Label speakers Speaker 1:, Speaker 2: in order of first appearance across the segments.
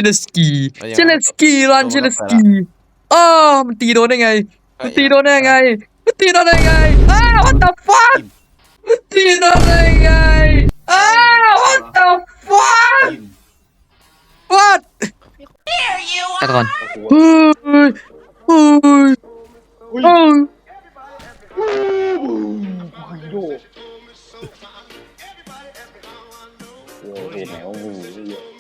Speaker 1: เลสกีเชเลสกีรันเชเลสกีอ้ามันตีโดนได้ไงมันตีโดนได้ไงมันตีโดนได้ไงอ้า what the fuck มันตีโดนได้ไงอ้า what the fuck what ตะกอนเฮ้ยเฮ้ยเฮ้ย
Speaker 2: โอ้โหไหนว่างูเยอะ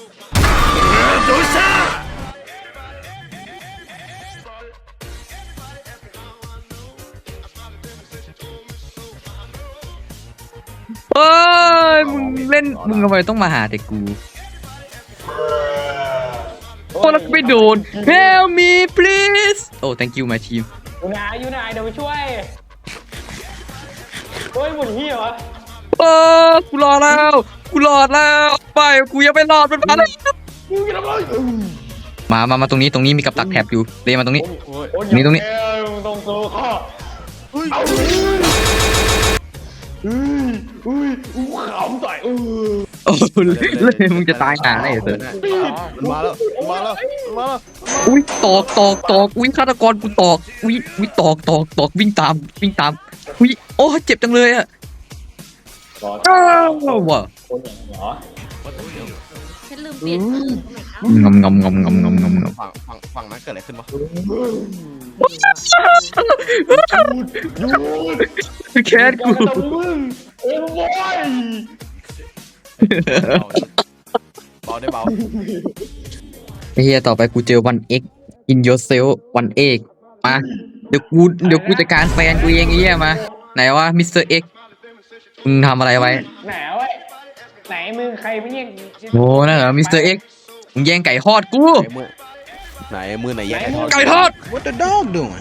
Speaker 1: เฮ้ยมึงเล่นมึงทำไมต้องมาหาแต่กูโอ้แล้วไม่โดน Help me please โอ้ thank you my team
Speaker 2: อยู่ไหนเดี๋ยวไปช่วยเฮ้ยหมดที่เหรอ
Speaker 1: เออกูรอแล้วไปกูยังไม่รอดมันมาแล้ว
Speaker 2: มึงจะทำอะไร
Speaker 1: มาตรงนี้มีกับดักแถบอยู่เลยมาตรงนี้ตรงนี้
Speaker 2: ตรงโซ่ข้อขำใส่
Speaker 1: โอ้เลยมึงจะตายหาได้เหรอ
Speaker 3: มันมาแล้ว
Speaker 1: อุ้ยตอกอุ้ยฆาตกรกูตอกอุ้ยตอกวิ่งตามอุ้ยโอ้เจ็บจังเลยอะว้า
Speaker 2: คนอย่างเหรอ
Speaker 4: ฉันลืมเปลี่ยน
Speaker 1: งำ
Speaker 3: ฝั่งนั้นเกิดอะไรขึ้นวะ
Speaker 1: แค้นกู
Speaker 2: โอ้ย
Speaker 3: เบาได้เบา
Speaker 1: เฮียต่อไปกูเจอวันเอ็ก in yourself วันเอ็กมาเดี๋ยวกูจัดการแฟนกูเองไอ้เหี้ยมาไหนวะมิสเตอร์เอ็กมึงทำอะไรไว้
Speaker 2: ไหนวะไหนมึงใครไม่เนี่ย
Speaker 1: โอ้นั่นเหรอมิสเตอร์เอ็กมึงแย่งไก่ทอดกู
Speaker 3: ไหนมือไหนแย่ง
Speaker 1: ไก่ทอด
Speaker 3: What the dog doing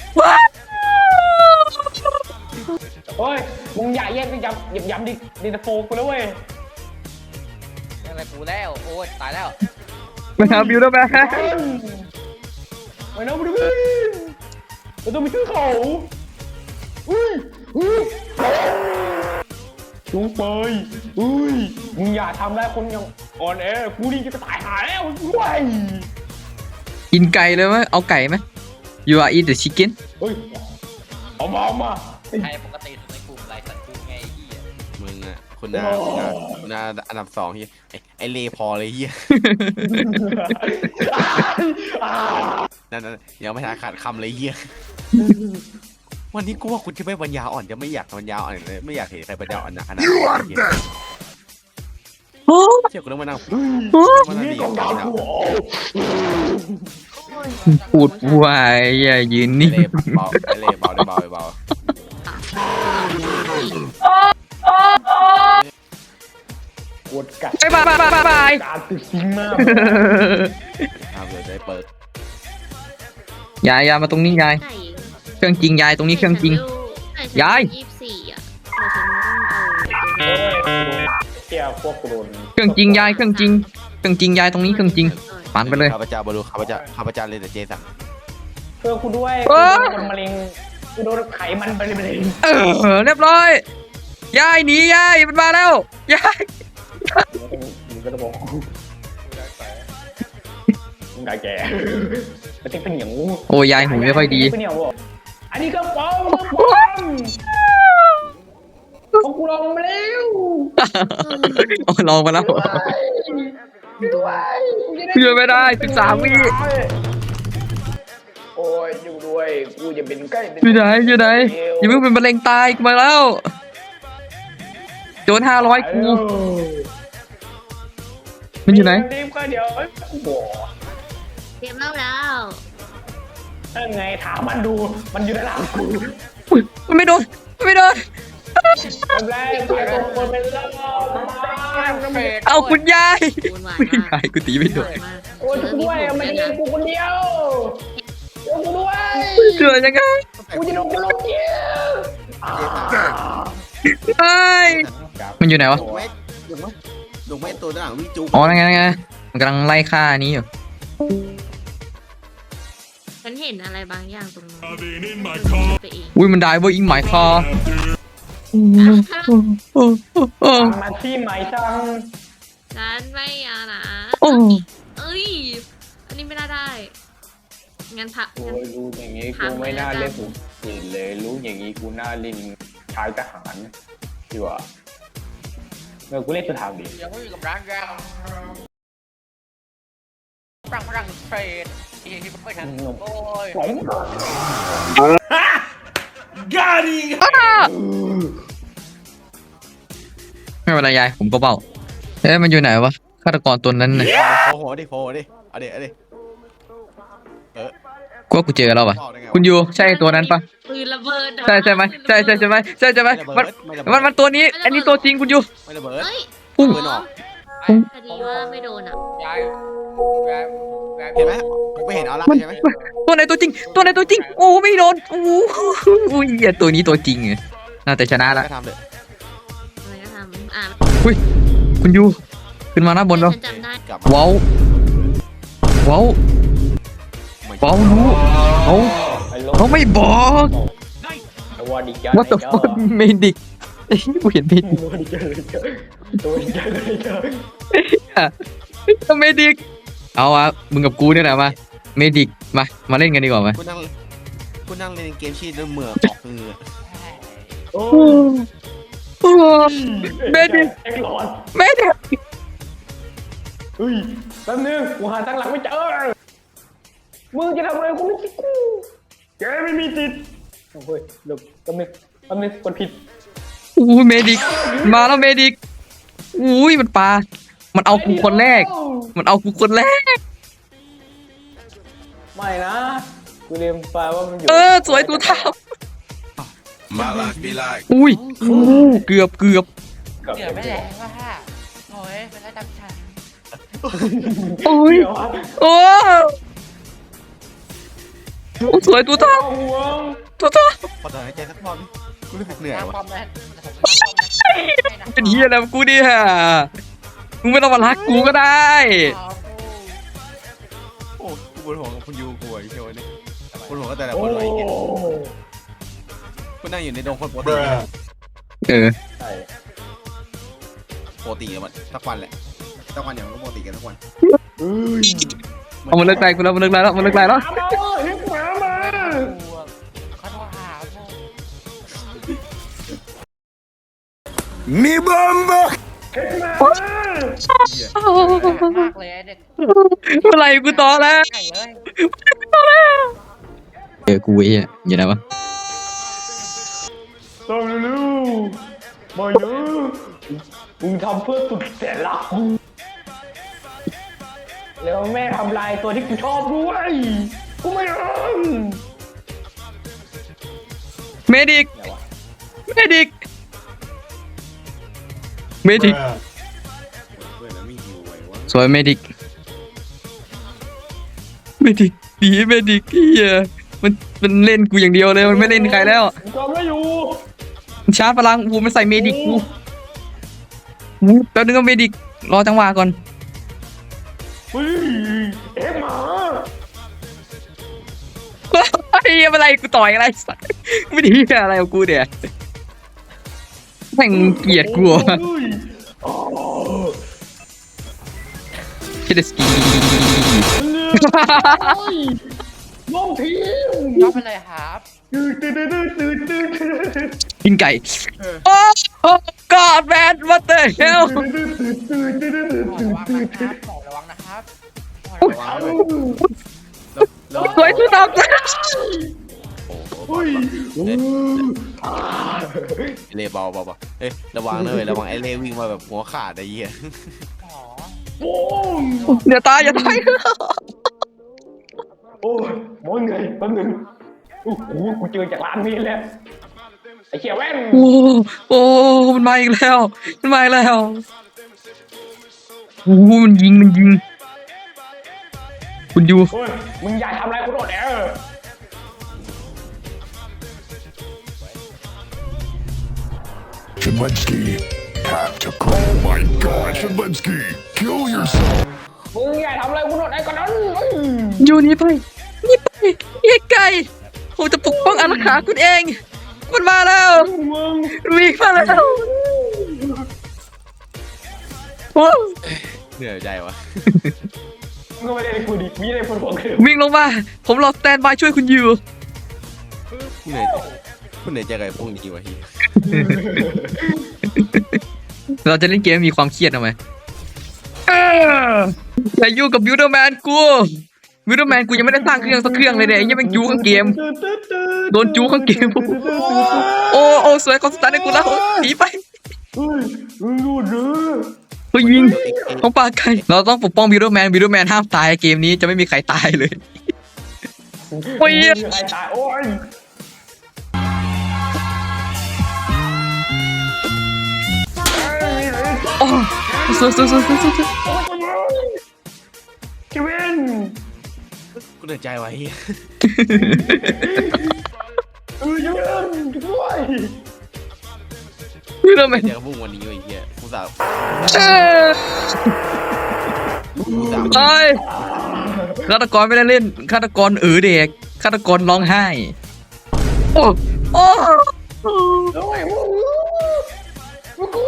Speaker 2: โอ้ยมึงอย่าแย่งไปย้ำดิโฟกูแล้วเว้ย
Speaker 4: อะไรกูแล้วโอ้ยตายแล้ว
Speaker 1: มาหาบิวแล้วแม่
Speaker 2: ไม่น้องบิวเราต้องไปช่วยเขาลุงเปยมึงอย่าทำได้คนอย่างอ่อนแอกูนี่จะตายหาแล้วด้วย
Speaker 1: กินไก่เลยไหมเอาไก่ไหม You are eat the chicken
Speaker 2: เฮ้ยเอามา
Speaker 4: ใครปกติในกลุ่มไรสัตว์กูไงที่
Speaker 3: มึงอ่ะคุณนาอันดับ2เฮียไอเลพอเลยเฮียนั่นยังไม่ทันขาดคำเลยเฮียวันนี้กูว่าคุณจะไม่ปัญญาอ่อนจะไม่อยากปัญญาอ่อนเลยไม่อยากเห็นใครปัญญาอ่อนขนาดนี้เชื่อกูต้องมานั่งดีกับ
Speaker 1: พูดวายอย่ายืนนิ่ง
Speaker 3: เบา
Speaker 2: กดกัด
Speaker 1: บาย
Speaker 2: การติดซิงมาก
Speaker 3: เดี๋ยวจะเปิด
Speaker 1: ยายมาตรงนี้ยายเครื่องจริงยายตรงนี้เครื่องจริงยาย
Speaker 4: 24อ่ะ
Speaker 2: เกี่ยวพวกโดน
Speaker 1: เครื่องจริงยายเครื่องจริงยายตรงนี้เครื่องจริงปั่นไปเลย
Speaker 3: ข้าพเจ้าบรรลุข้าพเจ้าเลยแต่เจสัน
Speaker 2: เพื่อคุณด้วยคุณมะเร็งคุณโดนไขมันไปเลย
Speaker 1: เรียบร้อยยายหนียายมันมาแล้วยาย
Speaker 2: มึงก็จะบอกมึงได้แก่แต่ติ๊กเป็นอย่างงู
Speaker 1: โอ้ยายหูไม่ค่อยดี
Speaker 2: อันนี้ก็ปอมของกูลองมาแล้ว
Speaker 1: ลองมาแล้วเชื่อไม่ได้13 วิ
Speaker 2: โอ้ยอยู่ด้วยกูจะเป็นใกล้
Speaker 1: อยู่ไหนอย่าเพิ่งเป็นมะเร็งตายกูมาแล้วโดน500กูมันอยู่ไหน
Speaker 2: เดี๋ยว
Speaker 4: เตรียมแล้ว
Speaker 2: นั่นไงถามมันดูมันอยู่ด้านหลังกู
Speaker 1: มันไม่โดนเอาคุณยายกูตีไม่โดน
Speaker 2: โอ้ยกูด้วยมันยิงกูคนเดียวกูด้วย
Speaker 1: เชื่อยังไง
Speaker 2: กูจะโดนกูลงเดียว
Speaker 1: เฮ้ยมันอยู่ไหนวะ
Speaker 3: ลงไม่ตัวด้านหลังวิ่งจุ๊บ
Speaker 1: อ๋อไงมันกำลังไล่ฆ่านี้อยู่
Speaker 4: ฉันเห็นอะไรบางอย่างตรงนั้น
Speaker 1: อุ้ยมันได้เว้ยอิงหมายคอ
Speaker 2: มาที่หมายจัง
Speaker 4: ฉันไม่เอานะ
Speaker 1: โอ้
Speaker 4: เอ้ย
Speaker 5: ได้งั้นพัก
Speaker 2: โอ้ยรู้อย่างงี้กูไม่น่าเล่นสุดเลยรู้อย่างงี้กูน่าเล่นชายทหารดีกว่ากูเล่นสุดทางดี
Speaker 4: ยังไม่มีกำลังยังฝรั่งเศสที่ไม่ทันโอ้ย
Speaker 1: ไม่เป็นไรยายผมก็เบาเอ๊ะมันอยู่ไหนวะฆาตกรตัวนั้นน่ะ
Speaker 3: โผล่ดิเอาดิ
Speaker 1: กูว่ากูเจอแล้ววะ
Speaker 3: บอกได้ไงวะ
Speaker 1: คุณยูใช่ตัวนั้นปะ
Speaker 5: ปืนระเบิด
Speaker 1: ใช่ไหมใช่ไหมมันตัวนี้อันนี้ตัวจริงคุณยู
Speaker 3: ไม่ระเบิด
Speaker 5: เฮ้ย
Speaker 1: พุ่ง
Speaker 3: ปืนออก
Speaker 5: พอดีว่าไม่โดนอ่ะ
Speaker 4: ยายยาย
Speaker 3: เห็นไหมผมไม่เห็นเอาละใช่ไหม
Speaker 1: ตัวไหนตัวจริงโอ้ไม่โดนโอ้โหเหี้ยตัวนี้ตัวจริงไงน่าจะชนะละ
Speaker 3: ก็ทำเลย
Speaker 5: อะไรก็ทำ
Speaker 1: คุณยูขึ้นมาหน้าบนเรา
Speaker 5: ฉันจำได้
Speaker 3: กลับมา
Speaker 1: ว้าวรู้เขาไม่บอก
Speaker 2: ตัวดีจ้า
Speaker 1: ว่าแต่ฟังเมดิกกูเห็นเมดิก
Speaker 2: ตัวดีจ้าตัวดีจ้า
Speaker 1: เมดิกเอาอะมึงกับกูเนี่ยแหละมาเมดิกมาเล่นกันดีกว่าไหม
Speaker 3: คุณนั่งเล่นเกมชีตแล้วเหมือออกเหงื่อ
Speaker 2: โอ้
Speaker 1: เมดิก
Speaker 2: เอ็กหลอด
Speaker 1: เมดิก
Speaker 2: เฮ้ยแป๊บนึงกูหาทางหลังไม่เจอมึงจะทำอะไรกูไม่คิดกูแกไม่มีติดโอ้ยเดี๋ยวแป๊บนึงกดผิด
Speaker 1: อู้เมดิกมาแล้วเมดิกอุ้ยมันปลามันเอากูคนแรก
Speaker 2: ไม่นะกูเรียนไปว่ามันอยู่
Speaker 1: สวยตัวเท่า
Speaker 6: My life be like
Speaker 1: อุ้ยเกือบ
Speaker 2: กับ
Speaker 4: เดี๋ยวไม่แรงว่ะโอ้ยเป็นไรดังฉัน
Speaker 1: อุ้ย
Speaker 2: เดี๋ยวอะ
Speaker 1: โอ้สวยตัวเท่า
Speaker 2: ห่วง
Speaker 1: ขอ
Speaker 3: ถอนหายใจสักรอบดิกูรู้สึกเหนื่อย
Speaker 4: น้ำ
Speaker 3: ว่ะ
Speaker 4: ความแรง
Speaker 1: เป็นเฮียแล้วกูดิฮะมึงไม่ต้องมารักกูก็ได้
Speaker 3: โอ้กูปวดหัวกับคุณยูกูไอ้เชียวนี่ปวดหัวก็แต่ละ
Speaker 2: โอ้
Speaker 3: คนเลยกูนั่งอยู่ในดงคนปกติ
Speaker 1: เออ
Speaker 2: ใช่
Speaker 3: ปกติกันมันสักวันแหละสักวันอย่างมันก็ปกติกันทุกวัน
Speaker 1: เอามันเลิกไกลกูแล้วมันเลิกไกลแล้ว
Speaker 2: มาเฮ้ยหมามา
Speaker 4: เขาโทรหาพวก
Speaker 6: Me Bamba
Speaker 4: มากเลยเด็ก
Speaker 1: เมื่อไหร่กูต่อแล้ว
Speaker 4: ใหญ่เลย
Speaker 1: กูไอ้เหี้ยอยู่ไหนวะ
Speaker 2: ต้องรู้มาเยอะมึงทำเพื่อสุดแสนรักกูแล้วแม่ทำลายตัวที่กูชอบด้วยกูไม่รัก
Speaker 1: เมดิก
Speaker 3: เพื่อนแล้วไม่หิวไว้วะ
Speaker 1: สวยเมดิกดีเมดิกเฮียมันเล่นกูอย่างเดียวเลยมันไม่เล่นใครแล้ว
Speaker 2: กูจำได้อยู่
Speaker 1: มันชาร์จพลังมันใส่เมดิกกูแป๊บนึงก็เมดิกรอจังหวะก่อน
Speaker 2: เฮ้ยเอ็มหมา
Speaker 1: ไอ้เหี้ยอะไรกูต่อยอะไรสักไม่ดีอะไรกับกูเนี่ยแม่งเกลียดกู
Speaker 2: เฮ้ยอ๋อ
Speaker 1: คิดสกี
Speaker 2: ลงทีม
Speaker 4: ยอมไปเลยครับ
Speaker 2: ตื่น
Speaker 1: กินไก่โอ้กอดแมนวัตเตอร์เฮล
Speaker 4: ระวังนะครับระวังนะครับ
Speaker 3: ระวังด้วยแล้ว
Speaker 1: สวยสุดครับ
Speaker 3: โอ้โหเล่เบาเอ้ยระวังเลยระวังไอ้เล่วิ่งมาแบบหัวขาดไอ้เหี้ย
Speaker 4: อ๋อ
Speaker 2: โอ้ย
Speaker 1: อย่าตาย
Speaker 2: โอ้ยมองไงแป๊บนึงโอ้โหกูเจอจากร้านนี้แล้วไอ้เขียวแว่น
Speaker 1: โอ้มันมาอีกแล้วโอ้มันยิงคุณยู
Speaker 2: โอ้ยมึงอย่าทำอะไรกูโดดแอร์
Speaker 6: Shedlinski. Tactical. Oh my god, Shedlinski. Kill yourself.
Speaker 2: มึงอย่าทำอะไรกูโดดแอร์ก่อนนั้น
Speaker 1: ยูนี่ไปเฮียไก่ผมจะปกป้องอาณาขาคุณเองมันมาแล้ว
Speaker 2: มึง
Speaker 1: วิ่งมาแล้วโอ้
Speaker 3: เหนื่อยใจวะ
Speaker 2: มึงก็ไม่ได้กูดิมีอะไรคนของคือ
Speaker 1: วิ่งลงมาผมรอสแตนบายช่วยคุณอยู่
Speaker 3: คุณเหนื่อยคุณเหนื่อยใจกับไอ้พวกนี้วะเฮีย
Speaker 1: เราจะเล่นเกมให้มีความเครียดเอาไหมอย่ายุ่งกับบิวเดอร์แมนกูบิวเดอร์แมนกูยังไม่ได้สร้างเครื่องสักเครื่องเลยเนี่ยไอ้ยังเป็นจูข้างเกมโดนจูข้างเกมโอ้สวยคอนสแตนให้กูแล้วหนีไป
Speaker 2: มึงดูดหรือ
Speaker 1: เฮ้ยยิงของปลาไก่เราต้องปกป้องบิวเดอร์แมนห้ามตายเกมนี้จะไม่มีใครตายเลย โอ้ย
Speaker 2: ใครตายโอ้ย
Speaker 1: โอ้สวย
Speaker 2: เควิน
Speaker 3: กูเหนื่อยใจวะเฮีย
Speaker 2: เควินด้วย
Speaker 1: บิวเดอร์แมน
Speaker 3: เจอกับพวกวันนี้วะไอ้เฮียกูสาว
Speaker 1: ตายฆาตกรไม่ได้เล่นฆาตกรเด็กฆาตกรร้องไห้โอ้
Speaker 2: ด้วยมึงกู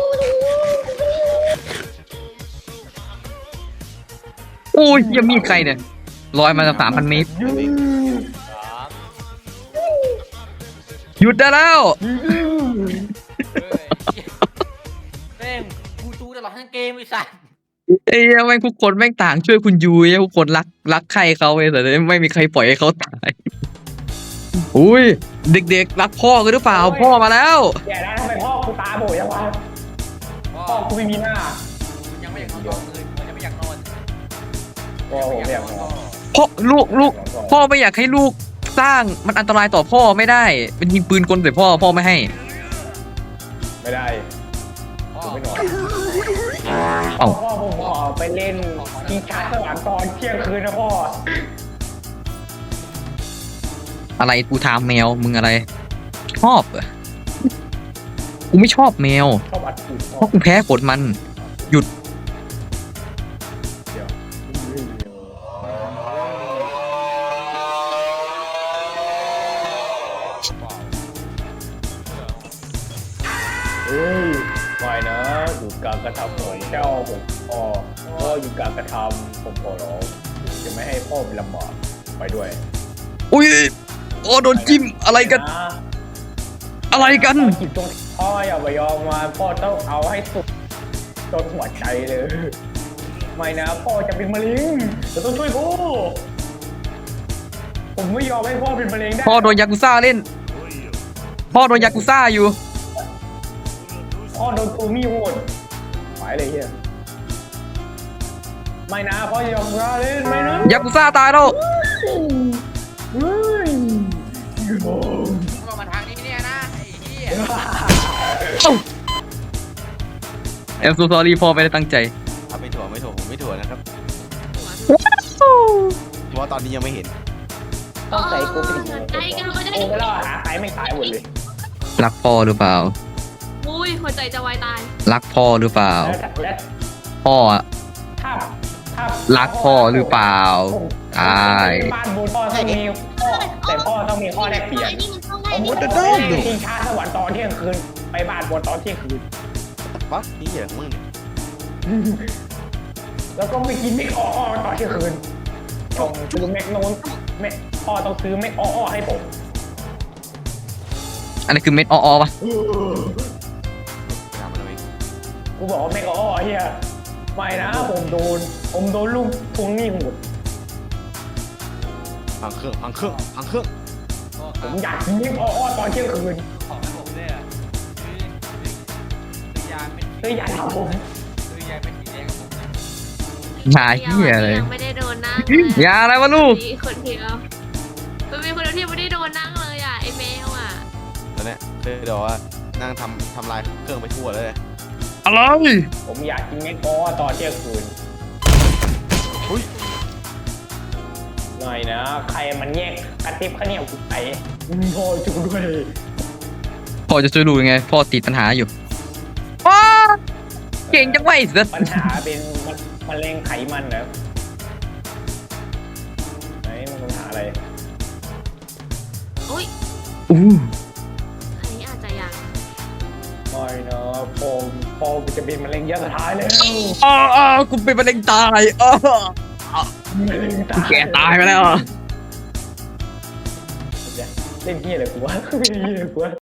Speaker 1: โอ้ยยังมีใครเนี่ยลอยมาจาก3,000 เมตร
Speaker 4: สาม
Speaker 1: หยุดได้แล้ว
Speaker 4: เฮ้ยแม่งกูจูตลอดทั้งเกมไอ้สัส
Speaker 1: ไอ้เหี้ยแม่งทุกคนแม่งต่างช่วยคุณยูไอ้ทุกคนรักใครเขาไอ้แต่ไม่มีใครปล่อยให้เขาตายอุ้ยเด็กๆรักพ่อกันหรือเปล่าพ่อมาแล้ว
Speaker 2: แย่แล้วทำไมพ่อกูตาโบยังวะ
Speaker 4: พ่อ
Speaker 2: พ่อกูไม่มีหน้า
Speaker 4: ยังไม่อยากนอนเลยผมยังไม่อยากนอน
Speaker 2: พ่อผมไม่อยากนอน
Speaker 1: พ่อลูกพ่อไม่อยากให้ลูกสร้างมันอันตรายต่อพ่อไม่ได้เป็นยิงปืนกลใส่พ่อไม่ให้
Speaker 2: ไม่ได้
Speaker 4: พ่อ
Speaker 2: ผมไม่นอน
Speaker 1: เอ้า
Speaker 2: พ่อผมขอไปเล่นกีฬาสวรรค์ตอนเที่ยงคืนนะพ่อ
Speaker 1: อะไรกูถามแมวมึงอะไรชอบเหรอกูไม่ชอบแมว
Speaker 2: ชอบอัดฉีด
Speaker 1: เพราะกูแพ้ขนมันหยุด
Speaker 2: เดี๋ยวเฮ้ยไม่นะอยู่การกระทำของเจ้าผมพ่ออยู่การกระทำผมขอร้องจะไม่ให้พ่อเป็นลำบากไปด้วย
Speaker 1: อุ้ยโอ้โดนจิ้มอะไรกันอะไรกัน
Speaker 2: จิตตรงพ่ออย่าไปยอมมาพ่อต้องเอาให้สุดจนหัวใจเลย ไม่นะพ่อจะเป็นมะเร็งจะต้องช่วยพ่อผมไม่ยอมให้พ่อเป็นมะเร็งได้
Speaker 1: พ่อโดนยากุซ่าเล่น พ่อโดนยากุซ่าอยู่
Speaker 2: พ่อโดนตูมี่โหดไปเลยเฮียไม่นะพ่ออย่ายอมมาเล่นไม่นะ
Speaker 1: ยากุซ่าตายแล้ว
Speaker 2: เฮ้ยโอ้
Speaker 4: ก็มาทางนี้เนี่ยนะไอ้เหี้ย
Speaker 1: เอ็มซูซอรี่พ่อไม่ได้ตั้งใจ
Speaker 3: เอาไม่ถั่วผมไม่ถั่วนะครับเพราะว่าตอนนี้ยังไม่เห็น
Speaker 2: ต้องใส่กูเป็น
Speaker 5: ใจกันหัวใจ
Speaker 2: โอ้ไม่รอดหาใครไม่ตายหมดเลย
Speaker 1: รักพ่อหรือเปล่า
Speaker 5: อุ้ยหัวใจจะวายตาย
Speaker 1: รักพ่อหรือเปล่า
Speaker 2: และ
Speaker 1: พ่ออะ
Speaker 2: ถ้า
Speaker 1: รักพ่อหรือเปล่าตาย
Speaker 2: บ้านบนพ่อต้องมีพ่อแต่พ่อต้องมีข้อแลกเปลี่ยน
Speaker 5: ไอ้นี่มันต้องได้
Speaker 2: สมม
Speaker 5: นี่
Speaker 2: ติ
Speaker 5: มัน
Speaker 2: จะ
Speaker 5: ต้อง
Speaker 2: ได้
Speaker 5: ได้
Speaker 2: ชิงช้าสวรรค์ตอนเที่ยงคืนไปบ้านบนตอนเที่ยงคืน
Speaker 3: วะนี่เหี้ยมึงเนี่ย
Speaker 2: แล้วก็ไปกินเม็กอ้อตอนเที่ยงคืนต้องซื้อเม็กโน้นแม่พ่อต้องซื้อเม็กอ้อให้ผม
Speaker 1: อันนี้คือเม็ดอ้อๆปะ
Speaker 3: ถามมันเอาเอง
Speaker 2: กูบอกว่าเม็กอ้อเฮียไม่นะผมโดนลูกทวงหนี้หมด
Speaker 3: พังเครื่อง
Speaker 4: พ่อ
Speaker 2: ผ
Speaker 4: ครั
Speaker 2: ม
Speaker 4: บ
Speaker 2: อยากกินเม็กอ้อตอนเที่ยงคืน
Speaker 4: ของให้ผมด้วยอ่ะซื้อยาไม่
Speaker 2: เลยอยากทำผม
Speaker 4: ซื้อยาไม่สีแดงกับผมนะ
Speaker 1: หาเหี้ยเลย
Speaker 5: ยังไม่ได้โดนนั่ง
Speaker 1: ยาอะไรวะลูก
Speaker 5: มีคนเดียวมันมีคนเดียวที่ไม่ได้โดนนั่งเลยอ่ะไอ้แมวอ่ะ
Speaker 3: ตอนเนี้ยเคยบอกว่านั่งทำลายเครื่องไปทั่วเลย
Speaker 1: อะไร
Speaker 2: ผมอยากกินเม็กอ้อตอนเที่ยงคืน
Speaker 3: อุ้ย
Speaker 2: หน่อยนะ ใครมันแยกกระติบข้าวเหนียวกูไปพ่อช่วยด้วย
Speaker 1: พ่อจะช่วยลูกยังไง พ่อติดปัญหาอยู่อ้าเก่งจังไวะไอ้สัส
Speaker 2: ปัญหาเป็นมะเร็งไขมันนะไหนมันปัญหาอะไร
Speaker 5: อุ้ย
Speaker 1: อู้
Speaker 5: อันนี้อาจจะยัง
Speaker 2: ไม่นะพ่อจะเป็นมะเร็งระยะสุดท้ายแล้ว
Speaker 1: กูเป็นมะเร็งตายแกตายไปแล้ว
Speaker 2: เล่นเฮียอะไรกูวะเล่นเฮียอะไรกูวะ